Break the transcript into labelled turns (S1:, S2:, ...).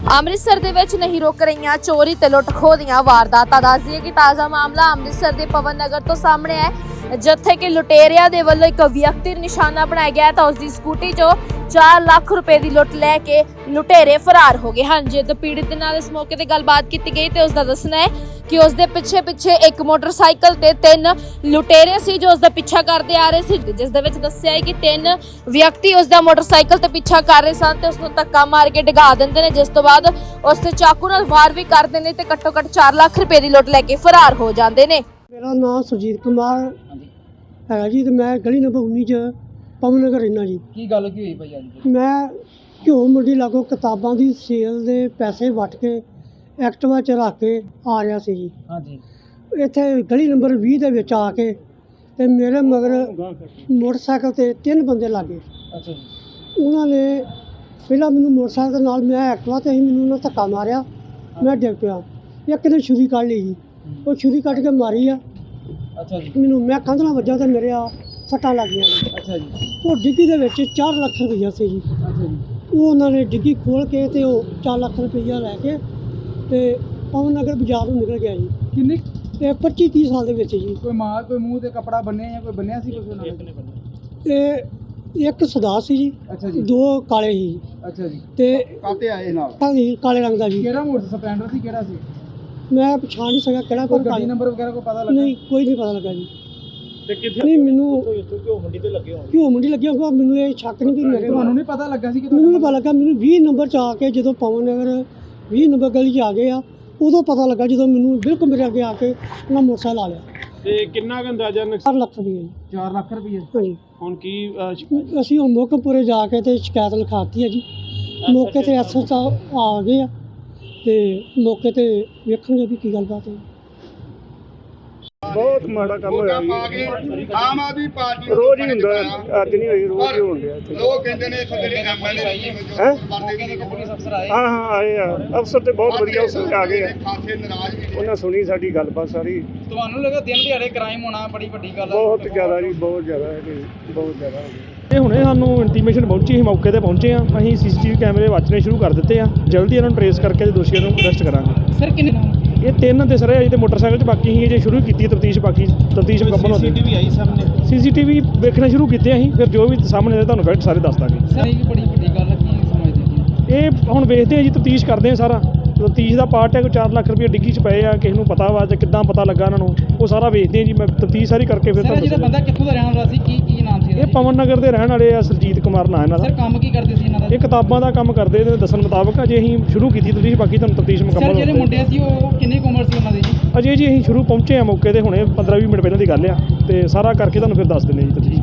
S1: ਅੰਮ੍ਰਿਤਸਰ ਦੇ ਵਿੱਚ ਨਹੀਂ ਰੁਕ ਰਹੀਆਂ ਚੋਰੀ ਤੇ ਲੁੱਟ ਖੋਹ ਦੀਆਂ ਵਾਰਦਾਤਾਂ। ਦੱਸ ਦਈਏ ਕਿ ਤਾਜ਼ਾ ਮਾਮਲਾ ਅੰਮ੍ਰਿਤਸਰ ਦੇ ਪਵਨ ਨਗਰ ਤੋਂ ਸਾਹਮਣੇ ਹੈ, ਜਿੱਥੇ ਕਿ ਲੁਟੇਰਿਆਂ ਦੇ ਵੱਲੋਂ ਇੱਕ ਵਿਅਕਤੀ ਨੂੰ ਨਿਸ਼ਾਨਾ ਬਣਾਇਆ ਗਿਆ ਤਾਂ ਉਸ ਦੀ ਸਕੂਟੀ 'ਚੋਂ 4 ਲੱਖ ਰੁਪਏ ਦੀ ਲੁੱਟ ਲੈ ਕੇ ਲੁਟੇਰੇ ਫਰਾਰ ਹੋ ਗਏ ਹਨ। ਜਦ ਪੀੜਤ ਦੇ ਨਾਲ ਇਸ ਮੌਕੇ ਤੇ ਗੱਲਬਾਤ ਕੀਤੀ ਗਈ ਤੇ ਉਸ ਦਾ ਦੱਸਣਾ ਹੈ ਕਿ ਉਸ ਦੇ ਪਿੱਛੇ ਇੱਕ ਮੋਟਰਸਾਈਕਲ ਤੇ 3 ਲੁਟੇਰੇ ਸੀ ਜੋ ਉਸ ਦਾ ਪਿੱਛਾ ਕਰਦੇ ਆ ਰਹੇ ਸੀ, ਜਿਸ ਦੇ ਵਿੱਚ ਦੱਸਿਆ ਹੈ ਕਿ 3 ਵਿਅਕਤੀ ਉਸ ਦਾ ਮੋਟਰਸਾਈਕਲ ਤੇ ਪਿੱਛਾ ਕਰ ਰਹੇ ਸਨ ਤੇ ਉਸ ਨੂੰ ਧੱਕਾ ਮਾਰ ਕੇ ਡਿਗਾ ਦਿੰਦੇ ਨੇ, ਜਿਸ ਤੋਂ ਬਾਅਦ ਉਸ ਤੇ ਚਾਕੂ ਨਾਲ ਵਾਰ ਵੀ ਕਰਦੇ ਨੇ ਤੇ ਘੱਟੋ ਘੱਟ 4 ਲੱਖ ਰੁਪਏ ਦੀ ਲੁੱਟ ਲੈ ਕੇ ਫਰਾਰ ਹੋ ਜਾਂਦੇ ਨੇ।
S2: मेरा नाम सुरजीत कुमार है जी, तो मैं गली नंबर 19 च पवन नगर रहना जी।
S3: ਕੀ ਗੱਲ ਕੀ ਹੋਈ ਭਾਈ ਅੱਜ?
S2: मैं घ्यो मंडी लागों किताबां की सेल के पैसे वट के एक्टिवा च रख के आ रहा सी जी।
S3: ਹਾਂਜੀ
S2: इत्थे गली नंबर 20 ਦੇ ਵਿੱਚ ਆ ਕੇ ਤੇ ਮੇਰੇ ਮਗਰ ਮੋਟਰਸਾਈਕਲ ਤੇ 3 ਬੰਦੇ ਲੱਗੇ।
S3: ਅੱਛਾ ਜੀ।
S2: ਉਹਨਾਂ ਨੇ ਪਹਿਲਾਂ ਮੈਨੂੰ ਮੋਟਰਸਾਈਕਲ ਦੇ ਨਾਲ, ਮੈਂ ਐਕਟਿਵਾ ਤੇ ਹੀ, ਮੈਨੂੰ ਉਹਨਾਂ ਧੱਕਾ ਮਾਰਿਆ, ਮੈਂ ਡਿੱਗ ਪਿਆ। ਇੱਕ ਨੇ ਛੁਰੀ ਕੱਢ ਲਈ ਜੀ, ਉਹ ਛੁਰੀ ਕੱਢ ਕੇ ਮਾਰੀ ਆ
S3: ਅੱਛਾ ਜੀ।
S2: ਮੈਨੂੰ, ਮੈਂ ਕੰਧ ਨਾਲ ਵੱਜਾ ਤੇ ਮੇਰੇ ਆ ਸੱਟਾਂ ਲੱਗ ਗਈਆਂ ਨੇ।
S3: ਅੱਛਾ ਜੀ।
S2: ਉਹ ਡਿੱਗੀ ਦੇ ਵਿੱਚ 4 ਲੱਖ ਰੁਪਈਆ ਸੀ ਜੀ।
S3: ਅੱਛਾ ਜੀ।
S2: ਉਹ ਉਹਨਾਂ ਨੇ ਡਿੱਗੀ ਖੋਲ ਕੇ ਤੇ ਉਹ 4 ਲੱਖ ਰੁਪਈਆ ਲੈ ਕੇ ਤੇ ਪਵਨ ਨਗਰ ਬਾਜ਼ਾਰ ਨੂੰ ਨਿਕਲ ਗਿਆ ਜੀ।
S3: ਕਿੰਨੇ
S2: ਇਹ 25-30 ਸਾਲ ਦੇ ਵਿੱਚ ਜੀ।
S3: ਕੋਈ ਮੂੰਹ ਤੇ ਕਪੜਾ ਬੰਨਿਆ ਜਾਂ ਕੋਈ ਬੰਨਿਆ ਸੀ ਕੁਝ ਉਹਨਾਂ ਨੇ?
S2: ਇਹ ਇੱਕ ਸਦਾ ਸੀ ਜੀ,
S3: ਅੱਛਾ ਜੀ।
S2: 2 ਕਾਲੇ ਸੀ
S3: ਅੱਛਾ ਜੀ।
S2: ਤੇ
S3: ਕਾਤੇ ਆਏ ਨਾਲ?
S2: ਕਾਲੇ ਰੰਗ ਦਾ ਜੀ।
S3: ਕਿਹੜਾ ਮੋਟਰ ਸਪਲੈਂਡਰ ਸੀ, ਕਿਹੜਾ ਸੀ?
S2: ਮੈਂ ਪਛਾਣ ਨਹੀਂ ਸਕਿਆ ਕਿਹੜਾ
S3: ਕੋਈ
S2: ਕੋਈ
S3: ਗੱਡੀ ਨੰਬਰ ਵਗੈਰਾ ਕੋਈ ਪਤਾ ਲੱਗਾ?
S2: ਨਹੀਂ, ਕੋਈ ਨਹੀਂ ਪਤਾ ਲੱਗਾ ਜੀ।
S3: ਤੇ ਕਿੱਥੇ?
S2: ਨਹੀਂ, ਮੈਨੂੰ
S3: ਘਿਓ ਮੰਡੀ ਤੇ ਲੱਗੇ ਹੋਣ।
S2: ਘਿਓ ਮੰਡੀ ਲੱਗਿਆ ਹੋਊਗਾ, ਮੈਨੂੰ ਇਹ ਸ਼ੱਕ ਨਹੀਂ ਕਿ ਮੇਰੇ
S3: ਤੁਹਾਨੂੰ ਨਹੀਂ ਪਤਾ ਲੱਗਾ ਸੀ ਕਿ
S2: ਮੈਨੂੰ ਨਹੀਂ ਪਤਾ ਲੱਗਾ। ਮੈਨੂੰ 20 ਨੰਬਰ 'ਚ ਆ ਕੇ, ਜਦੋਂ ਪਵਨ ਨਗਰ 20 ਨੰਬਰ ਗਲੀ 'ਚ ਆ ਗਏ ਆ, ਉਦੋਂ ਪਤਾ ਲੱਗਾ, ਜਦੋਂ ਮੈਨੂੰ ਬਿਲਕੁਲ ਮੇਰੇ ਅੱਗੇ ਆ ਕੇ ਉਹਨਾਂ ਮੋਟਰਸਾਈਕਲ ਆ ਲਿਆ।
S3: ਤੇ ਕਿੰਨਾ ਕੁ ਅੰਦਾਜ਼ਾ?
S2: 4 ਲੱਖ ਰੁਪਏ ਜੀ।
S3: 4 ਲੱਖ ਰੁਪਏ।
S2: ਹਾਂਜੀ।
S3: ਹੁਣ ਕੀ
S2: ਅਸੀਂ ਹੁਣ ਮੋਕਮਪੁਰੇ ਜਾ ਕੇ ਤੇ ਸ਼ਿਕਾਇਤ ਲਿਖਾਤੀ ਹੈ ਜੀ। ਮੌਕੇ ਤੇ ਐਸਐਚਓ ਆ ਗਏ ਆ ਤੇ ਮੌਕੇ ਤੇ ਵੇਖਣਗੇ ਵੀ ਕੀ ਗੱਲਬਾਤ ਹੈ।
S4: ਬਹੁਤ ਮਾੜਾ ਕੰਮ ਹੋਇਆ ਜੀ।
S5: ਆਮ ਆਦਮੀ ਪਾਰਟੀ
S4: ਰੋਜ਼ ਹੀ ਹੁੰਦਾ, ਅੱਜ ਨਹੀਂ ਹੋਈ, ਰੋਜ਼ ਹੀ ਹੋਣ ਡਿਆ ਇੱਥੇ।
S5: ਲੋਕ ਕਹਿੰਦੇ ਨੇ ਇੱਥੇ ਜਿਹੜੇ ਐਮਐਲਏ
S4: ਹੈਂ?
S3: ਪੁਲਿਸ ਅਫਸਰ ਆਏ?
S4: ਹਾਂ ਆਏ ਆ ਅਫਸਰ, ਤੇ ਬਹੁਤ ਵਧੀਆ ਅਫਸਰ ਆ ਗਏ ਆ।
S5: ਖਾਸੇ ਨਾਰਾਜ਼ ਵੀ ਨੇ।
S4: ਉਹਨਾਂ ਸੁਣੀ ਸਾਡੀ ਗੱਲਬਾਤ ਸਾਰੀ।
S3: ਤੁਹਾਨੂੰ ਲੱਗਾ ਦਿਨ ਦਿਹਾੜੇ ਕ੍ਰਾਈਮ ਹੋਣਾ ਬੜੀ ਵੱਡੀ ਗੱਲ ਹੈ?
S4: ਬਹੁਤ ਜ਼ਿਆਦਾ ਜੀ, ਬਹੁਤ ਜ਼ਿਆਦਾ ਹੈ ਜੀ, ਬਹੁਤ ਜ਼ਿਆਦਾ।
S6: ਇਹ ਹੁਣੇ ਸਾਨੂੰ ਇੰਟੀਮੇਸ਼ਨ ਪਹੁੰਚੀ, ਅਸੀਂ ਮੌਕੇ ਤੇ ਪਹੁੰਚੇ ਹਾਂ। ਅਸੀਂ ਸੀਸੀਟੀਵੀ ਕੈਮਰੇ ਵਾਚਣੇ ਸ਼ੁਰੂ ਕਰ ਦਿੱਤੇ ਆ। ਜਲਦੀ ਇਹਨਾਂ ਨੂੰ ਟਰੇਸ ਕਰਕੇ ਤੇ ਦੋਸ਼ੀਆਂ ਨੂੰ ਅਰੈਸਟ ਕਰਾਂਗੇ।
S3: ਸਰ ਕਿੰਨੇ
S6: ਇਹ 3 ਤੇ ਸਰ ਅਜੇ ਤੇ ਮੋਟਰਸਾਈਕਲ 'ਚ ਬਾਕੀ ਹੀ ਜੇ ਸ਼ੁਰੂ ਕੀਤੀ ਤਫਤੀਸ਼, ਬਾਕੀ ਤਫਤੀਸ਼ ਮੁਕੰਮਲ ਹੁੰਦੀ।
S3: ਸੀਸੀਟੀਵੀ ਆਈ ਸਾਹਮਣੇ?
S6: ਸੀਸੀਟੀਵੀ ਵੇਖਣੇ ਸ਼ੁਰੂ ਕੀਤੇ ਅਸੀਂ, ਫਿਰ ਜੋ ਵੀ ਸਾਹਮਣੇ ਆਏ ਤੁਹਾਨੂੰ ਫੈਕਟ ਸਾਰੇ ਦੱਸ ਦਾਂਗੇ।
S3: ਸਰ ਇਹ ਬੜੀ ਵੱਡੀ ਗੱਲ ਹੈ, ਕੀ ਸਮਝਦੇ ਜੀ?
S6: ਇਹ ਹੁਣ ਵੇਖਦੇ ਆ ਜੀ, ਤਫਤੀਸ਼ ਕਰਦੇ ਆ ਸਾਰਾ। ਤਫਤੀਸ਼ ਦਾ ਪਾਰਟ ਹੈ, ਕੋਈ 4 ਲੱਖ ਰੁਪਏ ਡਿੱਗੀ 'ਚ ਪਏ ਆ, ਕਿਸੇ ਨੂੰ ਪਤਾ ਵਾ ਜਾਂ ਕਿੱਦਾਂ ਪਤਾ ਲੱਗਾ ਉਹਨਾਂ ਨੂੰ, ਉਹ ਸਾਰਾ ਵੇਖਦੇ ਆ ਜੀ। ਮੈਂ ਤਫਤੀਸ਼ ਸਾਰੀ ਕਰਕੇ ਫਿਰ
S3: ਸਰ ਜਿਹੜਾ
S6: ਤੁਹਾਨੂੰ
S3: ਬੰਦਾ ਕਿੱਥੋਂ ਦਾ ਰਹਿਣ ਵਾਲਾ ਸੀ, ਕੀ ਨਾਮ ਸੀ?
S6: ਇਹ ਪਵਨ ਨਗਰ ਦੇ ਰਹਿਣ ਵਾਲੇ ਆ, ਸੁਰਜੀਤ ਕੁਮਾਰ ਨਾਂ ਇਹਨਾਂ
S3: ਸਰ
S6: ਦਾ।
S3: ਕੰਮ ਕੀ ਕਰਦੇ ਸੀ ਇਹਨਾਂ ਦਾ?
S6: ਇਹ ਕਿਤਾਬਾਂ ਦਾ ਕੰਮ ਕਰਦੇ ਤੇ ਦੱਸਣ ਮੁਤਾਬਕ ਅਜੇ ਅਸੀਂ ਸ਼ੁਰੂ ਕੀਤੀ ਤਫਤੀਸ਼, ਬਾਕੀ ਤੁਹਾਨੂੰ ਤਫਤੀਸ਼
S3: ਸਰ
S6: ਮੁਕੰਮਲ
S3: ਜਿਹੜੇ
S6: ਹੋਣ ਤੇ।
S3: ਮੁੰਡੇ ਸੀ ਉਹ ਕਿੰਨੀ ਕੁ ਉਮਰ ਸੀ ਉਹਨਾਂ ਦੀ ਜੀ?
S6: ਅਜੇ ਜੀ ਅਸੀਂ ਸ਼ੁਰੂ ਪਹੁੰਚੇ ਆ ਮੌਕੇ ਤੇ, ਹੁਣੇ 15-20 ਮਿੰਟ ਪਹਿਲਾਂ ਦੀ ਗੱਲ ਆ, ਤੇ ਸਾਰਾ ਕਰਕੇ ਤੁਹਾਨੂੰ ਫਿਰ ਦੱਸ ਦਿੰਦੇ ਜੀ ਤਫਤੀਸ਼।